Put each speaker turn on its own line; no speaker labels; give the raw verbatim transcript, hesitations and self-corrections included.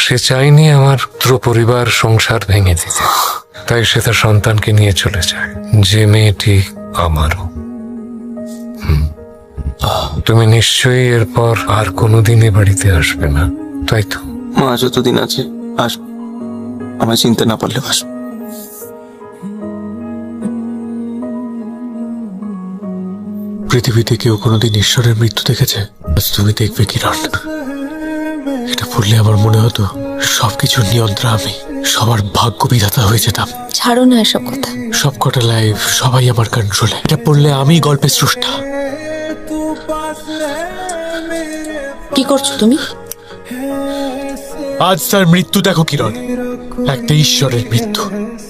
সে চায়নি আমার পুত্র পরিবার সংসার ভেঙে দিতে, তাই সে তার সন্তানকে নিয়ে চলে যায়। যে মেয়েটি আমারও। হুম। তুমি নিশ্চয়ই এরপর আর কোনোদিন এ বাড়িতে আসবে না, তাই তো?
মা যতদিন আছে আসবো, আমায় চিনতে না পারলেও আসবো।
পৃথিবীতে কেউ কোনোদিন ঈশ্বরের মৃত্যু দেখেছে? আজ তুমি দেখবে কিরণ। এটা পড়লে আমার মনে হতো সবকিছুর নিয়ন্ত্রণ আমি, সবার ভাগ্য বিধাতা হয়ে যেতাম।
ছাড়ো না এসব কথা।
সব কটা লাইফ সবাই আমার কন্ট্রোলে। এটা পড়লে আমি গল্পের স্রষ্টা।
কি করছো তুমি?
আজ তার মৃত্যু দেখো কিরণ, একটা ঈশ্বরের মৃত্যু।